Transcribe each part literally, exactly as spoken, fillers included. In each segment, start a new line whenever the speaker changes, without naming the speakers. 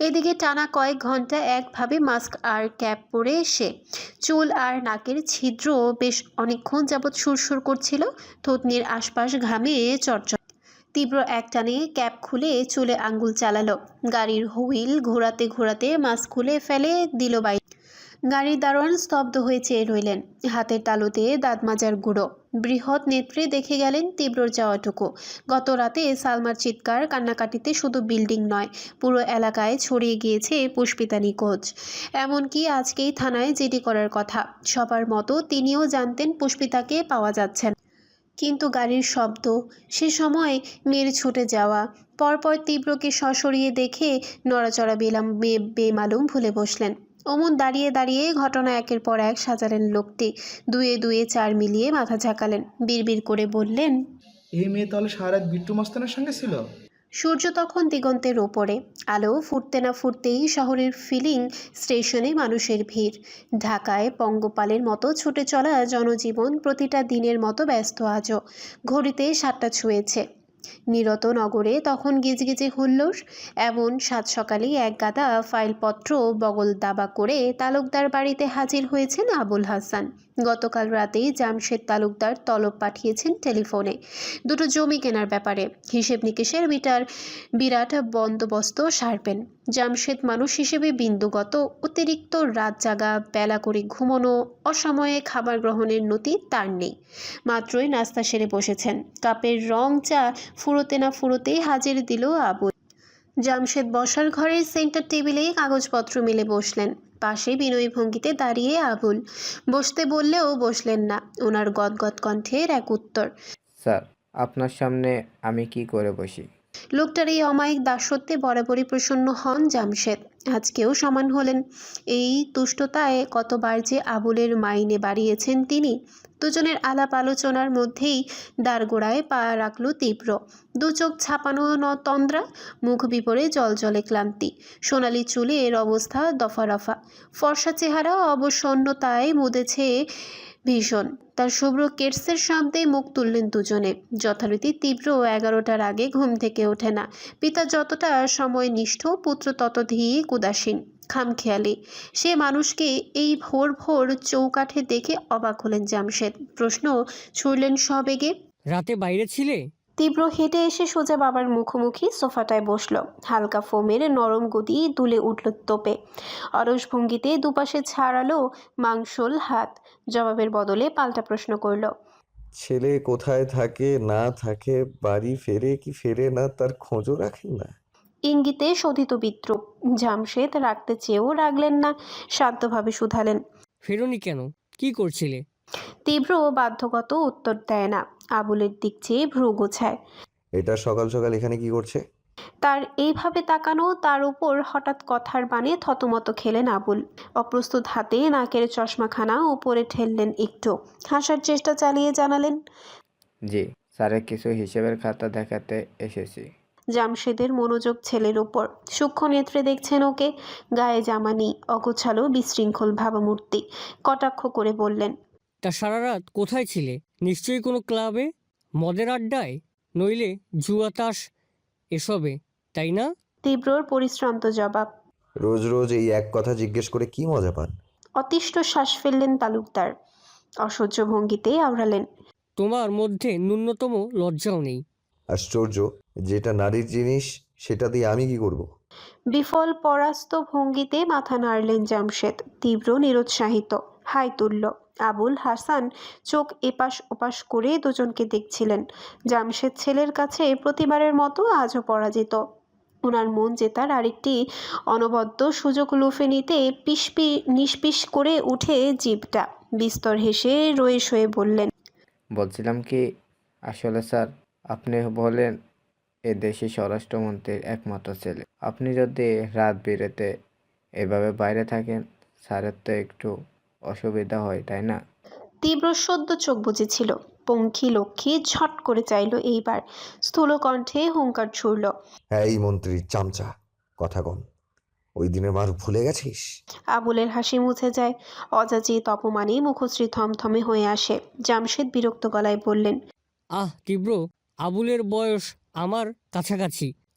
এদিকে টানা কয়েক ঘন্টা একভাবে মাস্ক আর ক্যাপ পরে সে চুল আর নাকের ছিদ্র বেশ অনেকক্ষণ যাবৎ সুরসুর করছিল। থুতনির আশপাশ ঘামে চরচর। তীব্র একটানে ক্যাপ খুলে চুলে আঙ্গুল চালালো। গাড়ির হুইল ঘোরাতে ঘোরাতে মাস্ক খুলে ফেলে দিল বাইরে। গাড়ির দারোয়ান স্তব্ধ হয়ে চেয়ে রইলেন, হাতের তালুতে দাঁত মাজার গুঁড়ো। বৃহৎ নেত্রে দেখে গেলেন তীব্রর যাওয়াটুকু। গত রাতে সালমার চিৎকার কান্নাকাটিতে শুধু বিল্ডিং নয়, পুরো এলাকায় ছড়িয়ে গিয়েছে পুষ্পিতা নিখোঁজ। এমনকি আজকেই থানায় জিডি করার কথা। সবার মতো তিনিও জানতেন পুষ্পিতাকে পাওয়া যাচ্ছে না। কিন্তু গাড়ির শব্দ, সে সময় মেয়ের ছুটে যাওয়া, পরপর তীব্রকে সশরিয়ে দেখে নড়াচড়া বেলাম বেমালুম ভুলে বসলেন। অমন দাঁড়িয়ে দাঁড়িয়ে ঘটনা একের পর এক সাজালেন লোকটি। দুয়ে দুয়ে চার মিলিয়ে মাথা ঝাঁকালেন, বিড়বিড় করে বললেন,
এই মেয়ে তাহলে সারা রাত বিট্টু মাস্তানের সঙ্গে ছিল?
সূর্য তখন দিগন্তের ওপরে। আলো ফুটতে না ফুটতেই শহরের ফিলিং স্টেশনে মানুষের ভিড়। ঢাকায় পঙ্গপালের মতো ছুটে চলা জনজীবন প্রতিটা দিনের মতো ব্যস্ত আজও। ঘড়িতে সাতটা ছুঁয়েছে। নিরত নগরে তখন গিজগিজে হুল্লোড়। এমন সাত সকালেই এক গাদা ফাইলপত্র বগল দাবা করে তালুকদার বাড়িতে হাজির হয়েছেন আবুল হাসান। গতকাল রাতেই জামশেদ তালুকদার তলব পাঠিয়েছেন টেলিফোনে, দুটো জমি কেনার ব্যাপারে। হিসেব নিকেশের বিটার বিরাট বন্দোবস্ত সারবেন। জামশেদ মানুষ হিসেবে বিন্দুগত অতিরিক্ত রাত জাগা, বেলা করে ঘুমোনো, অসময়ে খাবার গ্রহণের নতি তার নেই। মাত্রই নাস্তা সেরে বসেছেন। কাপের রং চা ফুরোতে না ফুরোতেই হাজির দিল আবুল। জামশেদ বসার ঘরের সেন্টার টেবিলে কাগজপত্র মেলে বসলেন। পাশে বিনয়ী ভঙ্গিতে দাঁড়িয়ে আবুল। বসতে বললেও বসলেন না। ওনার গদগদ কণ্ঠের এক উত্তর,
স্যার, আপনার সামনে আমি কি করে বসি?
লোকটার এই অমায়িক দাসত্বে বরাবরই প্রসন্ন হন জামশেদ। আজকেও সমান হলেন। এই তুষ্টতায় কতবার যে আবুলের মাইনে বাড়িয়েছেন তিনি। দুজনের আলাপ আলোচনার মধ্যেই দাঁড়গোড়ায় পা রাখল তীব্র। দু চোখ ছাপানো ন তন্দ্রা, মুখ বিপরে জলজলে ক্লান্তি। সোনালি চুলের অবস্থা দফা রফা। ফর্সা চেহারা অবসন্নতায় মুদেছে ভীষণ। তার শুভ্র কেটসের শব্দে মুখ তুললেন দুজনে। যথারীতি তীব্র এগারোটার আগে ঘুম থেকে ওঠে না। পিতা যতটা সময়নিষ্ঠ, পুত্র ততধিক উদাসীন, খামখেয়ালি। সে মানুষকে এই ভোর ভোর চৌকাঠে দেখে অবাক হলেন জামশেদ। প্রশ্ন ছুড়লেন সবেগে,
রাতে বাইরে ছিলে?
তীব্র হেঁটে এসে সোজা বাবার মুখোমুখি সোফাটায় বসল। হালকা ফোমের নরম গদি দুলে উঠল তোপে। অলস ভঙ্গিতে দুপাশে ছাড়ালো মাংসল হাত। জবাবের বদলে পাল্টা প্রশ্ন করল,
ছেলে কোথায় থাকে না থাকে, বাড়ি ফেরে কি ফেরে না, তার খোঁজও রাখেন না?
ইঙ্গিতে শোধিত বিদ্রুপ। জামশেদ রাখতে চেয়েও রাখলেন না, শান্তভাবে শুধালেন,
ফেরোনি কেন? কি করছিলে?
তীব্র বাধ্যগত উত্তর দেয় না। আবুলের দিক চেয়ে ভ্রু গোছায়।
এটা সকাল সকাল এখানে কি করছে?
তার এইভাবে তাকানো, তার উপর হঠাৎ কথার বাণে থতমত খেলেন আবুল। অপ্রস্তুত হাতে নাকের চশমাখানা উপরে ঠেললেন একটু। হাসার চেষ্টা চালিয়ে জানালেন,
জি, স্যারের কিছু হিসেবের খাতা দেখাতে এসেছি।
জামশেদের মনোযোগ ছেলের উপর। সূক্ষ্ম নেত্রে দেখছেন ওকে। গায়ে জামা নেই, অগোছালো বিশৃঙ্খল ভাবমূর্তি। কটাক্ষ করে বললেন,
তা সারা রাত কোথায় ছিলে? নিশ্চয়ই কোনো ক্লাবে, মদের আড্ডায়, নইলে জুয়া তাস এসবে, তাই না?
তীব্রর পরিশ্রান্ত জবাব।
রোজ রোজ এই এক কথা জিজ্ঞেস করে কি মজা পান?
অতিষ্ঠ শ্বাস ফেললেন তালুকদার। অসহ্য ভঙ্গিতে আওড়ালেন,
তোমার মধ্যে ন্যূনতম লজ্জাও নেই।
আশ্চর্য, যেটা নারীর জিনিস সেটা দিয়ে আমি কি করব?
বিফল পরাস্ত ভঙ্গিতে মাথা নাড়লেন জামশেদ। তীব্র নিরুৎসাহিত হাই তুলল। আবুল হাসান চোখ এপাশ ওপাশ করে দুজনকে দেখছিলেন। জামশেদ ছেলের কাছে প্রতিবারের মতো আজও পরাজিত। ওনার মন জেতার আরেকটি অনবদ্য সুযোগ লুফে নিতে পিসপি নিষ্পিস করে উঠে জিভটা। বিস্তর হেসে রয়ে শয়ে বললেন,
বলছিলাম কি, আসলে স্যার, আপনি বলেন এ দেশে স্বরাষ্ট্রমন্ত্রীর একমাত্র ছেলে। আপনি যদি রাত বিরেতে এভাবে বাইরে থাকেন, স্যারের তো একটু অসুবিধা হয়, তাই না?
তীব্র সদ্য চোখ বুজেছিল। পঙ্খী লক্ষ্মী ঝট করে চাইল এইবার। স্থূল কণ্ঠে হুঙ্কার ছুড়ল,
হ্যাঁ, এই মন্ত্রীর চামচা, কথা কম। ওই দিনের মার ভুলে গেছিস?
আবুলের হাসি মুছে যায়। অযাচিত অপমানে মুখশ্রী থমথমে হয়ে আসে। জামশেদ বিরক্ত গলায় বললেন,
আহ তীব্র, আবুলের বয়স আমার কাছাকাছি,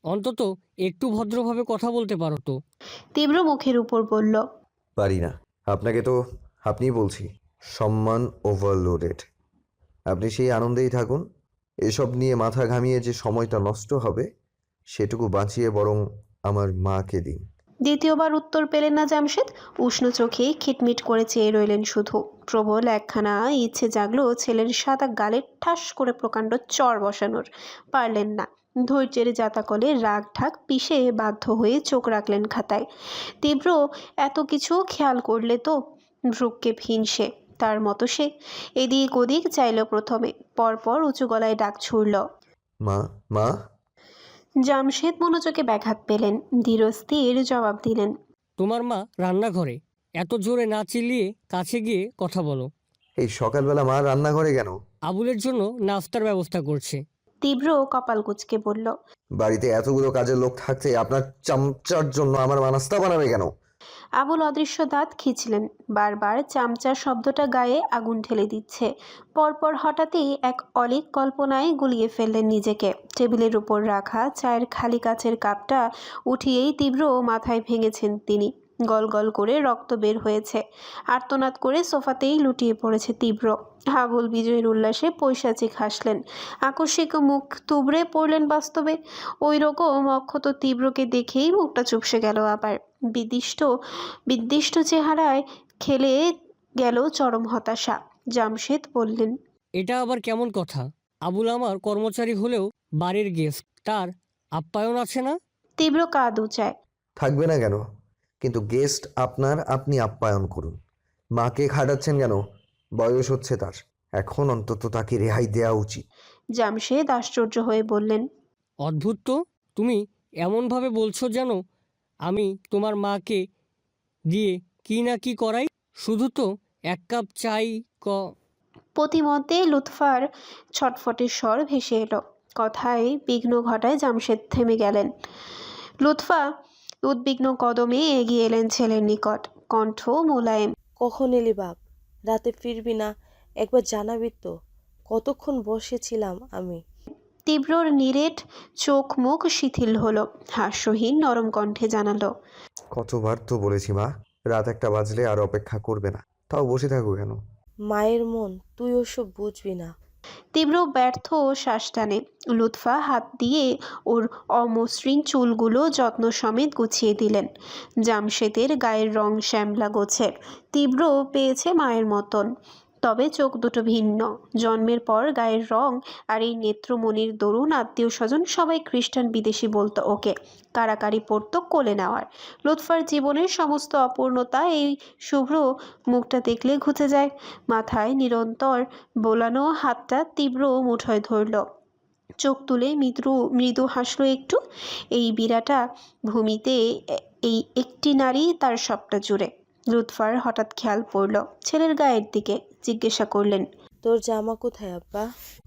অন্তত একটু ভদ্রভাবে কথা বলতে পারো তো।
তীব্র মুখের উপর বলল,
পারি না। আপনাকে তো আপনিই বলছি, সম্মান ওভারলোডেড। আপনি সেই আনন্দেই থাকুন। এসব নিয়ে মাথা ঘামিয়ে যে সময়টা নষ্ট হবে সেটুকু বাঁচিয়ে বরং আমার মাকে দিন।
দ্বিতীয়বার উত্তর পেলেন না জামশেদ। উষ্ণ চোখে খিটমিট করে চেয়ে রইলেন শুধু। প্রবল একখানা ইচ্ছে জাগলো ছেলের সাদা গালে ঠাস করে প্রকাণ্ড চর বসানোর। পারলেন না। ধৈর্যের জাতাকলে রাগ ঢাক পিষে বাধ্য হয়ে চোখ রাখলেন খাতায়। তীব্র এত কিছু খেয়াল করলে তো। ভ্রুক্ষেপ হীন সে, তার মতো সে। এদিক ওদিক চাইল প্রথমে, পরপর উঁচু গলায় ডাক ছুড়ল।
মা, মা।
জামশেদ মনোযোগে ব্যাঘাত পেলেন, ধীরস্থির জবাব দিলেন,
তোমার মা রান্নাঘরে। এত জোরে না চিল্লিয়ে কাছে গিয়ে কথা বলো।
এই সকালবেলা মা রান্নাঘরে কেন?
আবুলের জন্য নাস্তার ব্যবস্থা করছে।
তীব্র কপাল কুঁচকে বলল,
বাড়িতে এতগুলো কাজের লোক থাকতে আপনার চামচার জন্য আমার মা নাস্তা বানাবে কেন?
আবুল অদৃশ্য দাঁত খিঁচলেন। বারবার চামচা শব্দটা গায়ে আগুন ঢেলে দিচ্ছে। পরপর হঠাৎই এক অলীক কল্পনায় গুলিয়ে ফেললেন নিজেকে। টেবিলের উপর রাখা চায়ের খালি কাচের কাপটা উঠিয়েই তীব্র মাথায় ভেঙেছেন তিনি। গল গল করে রক্ত বের হয়েছে। আর্তনাদ করে সোফাতেই লুটিয়ে পড়েছে তীব্র। আবুল বিজয়ের উল্লাসে পৈশাচিক হাসলেন। আকস্মিক মুখ তুবড়ে পড়লেন বাস্তবে। ওই রকম অক্ষত তীব্রকে দেখেই মুখটা চুপসে গেল আবার। বিদিষ্ট বিদ্দিষ্ট চেহারায় খেলে গেল চরম হতাশা। জামশেদ বললেন,
এটা আবার কেমন কথা? আবুল আমার কর্মচারী হলেও বাড়ির গেস্ট, তার আপ্যায়ন আছে না?
তীব্র কাঁদ উচায়।
থাকবে না কেন? কিন্তু গেস্ট আপনার, আপনি আপ্যায়ন করুন। মাকে খাটাচ্ছেন কেন? বয়স হচ্ছে তার, এখন অন্তত তাকে রেহাই দেওয়া উচিত।
জামশেদ আশ্চর্য হয়ে বললেন,
অদ্ভুত তো, তুমি এমনভাবে বলছো যেন আমি তোমার মাকে দিয়ে কি না কি করাই। শুধু তো এক কাপ চাই ক।
প্রতিমধ্যে লুৎফার ছটফটের স্বর ভেসে এলো। কথায় বিঘ্ন ঘটায় জামশেদ থেমে গেলেন। লুৎফা উদ্বিগ্ন কদমে এগিয়ে এলেন ছেলের নিকট, কণ্ঠ মোলায়েম।
কখন এলি বাপ? রাতে ফিরবি না? একবার জানাবি তো। কতক্ষণ বসেছিলাম আমি।
তীব্রর নিরেট চোখ মুখ শিথিল হলো। হাস্যহীন নরম কণ্ঠে জানালো,
কতবার তো বলেছি মা, রাত একটা বাজলে আর অপেক্ষা করবে না, তাও বসে থাকো কেন?
মায়ের মন, তুই ওসব বুঝবি না।
তীব্র ব্যর্থ শ্বাস টানে। লুৎফা হাত দিয়ে ওর অমসৃণ চুলগুলো যত্ন সমেত গুছিয়ে দিলেন। জামশেদের গায়ের রং শ্যামলা গোছের। তীব্র পেয়েছে মায়ের মতন, তবে চোখ দুটো ভিন্ন। জন্মের পর গায়ের রং আর এই নেত্রমণির দরুন আত্মীয় স্বজন সবাই খ্রিস্টান বিদেশি বলতো ওকে। কারাকারি পড়তো কোলে নেওয়ার। লুৎফার জীবনের সমস্ত অপূর্ণতা এই শুভ্র মুখটা দেখলে ঘুচে যায়। মাথায় নিরন্তর বোলানো হাতটা তীব্র মুঠোয় ধরল। চোখ তুলে মৃদু মৃদু হাসলো একটু। এই বিরাটা ভূমিতে এই একটি নারী তার সবটা জুড়ে। লুৎফার হঠাৎ খেয়াল পড়ল ছেলের গায়ের দিকে। জিজ্ঞাসা করলেন,
তোর জামা কোথায় আব্বা?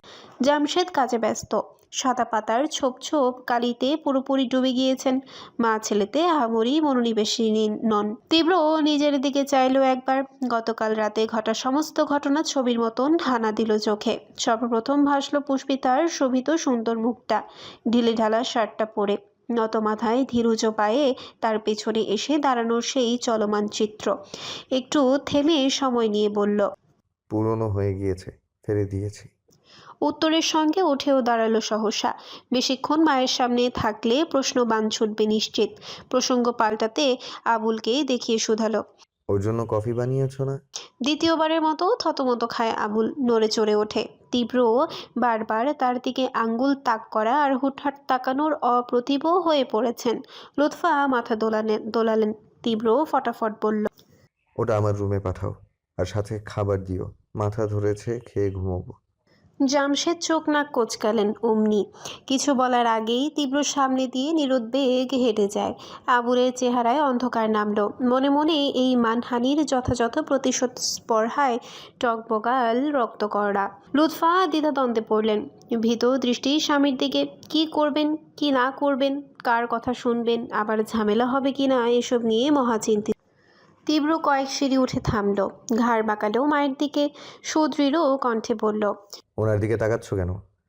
জামশেদ কাজে ব্যস্ত। সাদা পাতার ছোপ ছোপ কালিতে পুরোপুরি ডুবে গিয়েছেন। মা ছেলেতে আহামরি মনোনিবেশিনী নন। তীব্র নিজের দিকে চাইল একবার। গতকাল রাতে ঘটা সমস্ত ঘটনা ছবির মতন হানা দিল চোখে। সর্বপ্রথম ভাসল পুষ্পিতার শোভিত সুন্দর মুখটা, ঢিলে ঢালা শার্টটা পরে। নত মাথায় ধীরুজ পায়ে তার পেছনে এসে দাঁড়ানোর সেই চলমান চিত্র। একটু থেমে সময় নিয়ে বলল,
পুরনো হয়ে গিয়েছে, ফেলে দিয়েছি।
উত্তরের সঙ্গে উঠেও দাঁড়ালো সহসা। বেশিক্ষণ মায়ের সামনে থাকলে প্রশ্ন বান ছুটবে নিশ্চিত। প্রসঙ্গ পাল্টাতে আবুলকে দেখিয়ে শুধালো,
ওর জন্য কফি বানিয়েছো না?
দ্বিতীয়বারের মতো থতমত খায় আবুল, নড়ে চড়ে ওঠে। তীব্র বারবার তার দিকে আঙ্গুল তাক করা আর হুটহাট তাকানোর অপ্রতিভ হয়ে পড়েছেন। লুৎফা মাথা দোলালেন দোলালেন তীব্র ফটাফট বলল,
ওটা আমার রুমে পাঠাও, আর সাথে খাবার দিও। মাথা ধরেছে, খেয়ে ঘুমোবো।
জামশেদ চোখ নাক কোচকালেন অমনি। কিছু বলার আগেই তীব্র সামনে দিয়ে নিরুদ্বেগ হেঁটে যায়। আবুলের চেহারায় অন্ধকার নামলো। মনে মনে এই মানহানির যথাযথ প্রতিশোধ স্পর্হায় টকবগাল রক্তকরড়া। লুৎফা দ্বিধাদ্বন্দ্বে পড়লেন। ভীত দৃষ্টি স্বামীর দিকে। কি করবেন কি না করবেন, কার কথা শুনবেন, আবার ঝামেলা হবে কি না, এসব নিয়ে মহাচিন্তিত। তীব্র কয়েক সিঁড়ি উঠে থামল। ঘাড় বাঁকালেও মায়ের দিকে। সুদৃঢ় কণ্ঠে বলল,
ওনার দিকে তাকাচ্ছ কেন?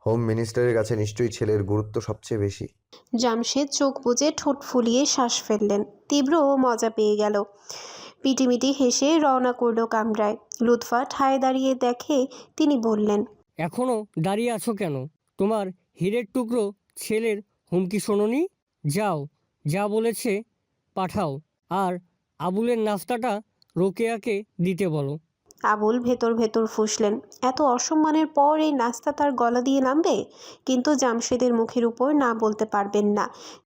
হোম মিনিস্টারের কাছে নিশ্চয়ই ছেলের গুরুত্ব সবচেয়ে বেশি।
জামশেদ চোখ বুজে ঠোঁট ফুলিয়ে শ্বাস ফেললেন। তীব্র মজা পেয়ে গেল। পিটিমিটি হেসে রওনা করলো কামরায়। লুৎফা ঠায় দাঁড়িয়ে দেখে তিনি বললেন,
এখনও দাঁড়িয়ে আছো কেন? তোমার হীরের টুকরো ছেলের হুমকি শোনোনি? যাও, যা বলেছে পাঠাও, আর আবুলের নাস্তাটা রোকেয়াকে দিতে বলো।
আবুল ভেতর ভেতর ফুঁসলেন। এত অসম্মানের পর এই নাস্তা তার গলা দিয়ে নামবে? কিন্তু জামশেদের মুখের উপর না বলতে পারবেন না।